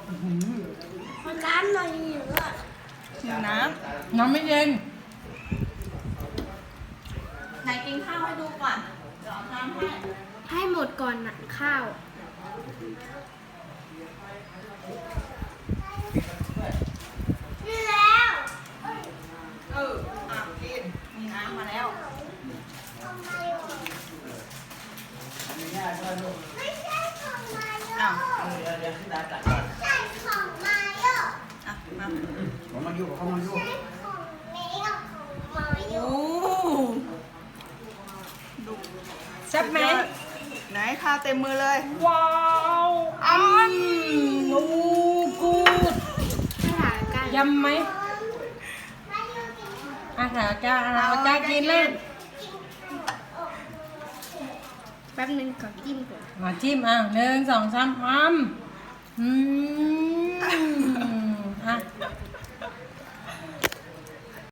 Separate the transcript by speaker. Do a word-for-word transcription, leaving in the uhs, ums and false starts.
Speaker 1: น้ำหน่อยหิวอ่ะ
Speaker 2: หิวน้
Speaker 3: น้ำไม่เย็น
Speaker 2: ำไหนกินข้าวให้ดูก่อนเดี๋ยวเอาน้ำให้
Speaker 1: ให้หมดก่อนนะข้าวนี่แล้ว
Speaker 2: เอออ่ะกินมีน้ำมาแล้ว
Speaker 1: ไม่ใช่ของมาโย
Speaker 2: อ้าว
Speaker 1: ไม่ใช่ของมาโย
Speaker 2: อ่ะมา
Speaker 4: ผมมาอยู่กับเขามาอยู่
Speaker 1: ไม่ของเมย์กับของมาโย
Speaker 2: โอ้ดู
Speaker 3: แซ่บไหม
Speaker 2: ไหนข้าวเต็มมือเลย
Speaker 3: ว้าวอ้ำโอ้กูด
Speaker 1: สถานการณ์
Speaker 3: ยำไหม
Speaker 1: มาโยกิน
Speaker 3: อาหารกาอาหารกากินเลย
Speaker 1: แป๊บนึงขอจิ้มก่อน
Speaker 3: มาจิ้มอ่ะหนึ่งสองสามอ้ำอืม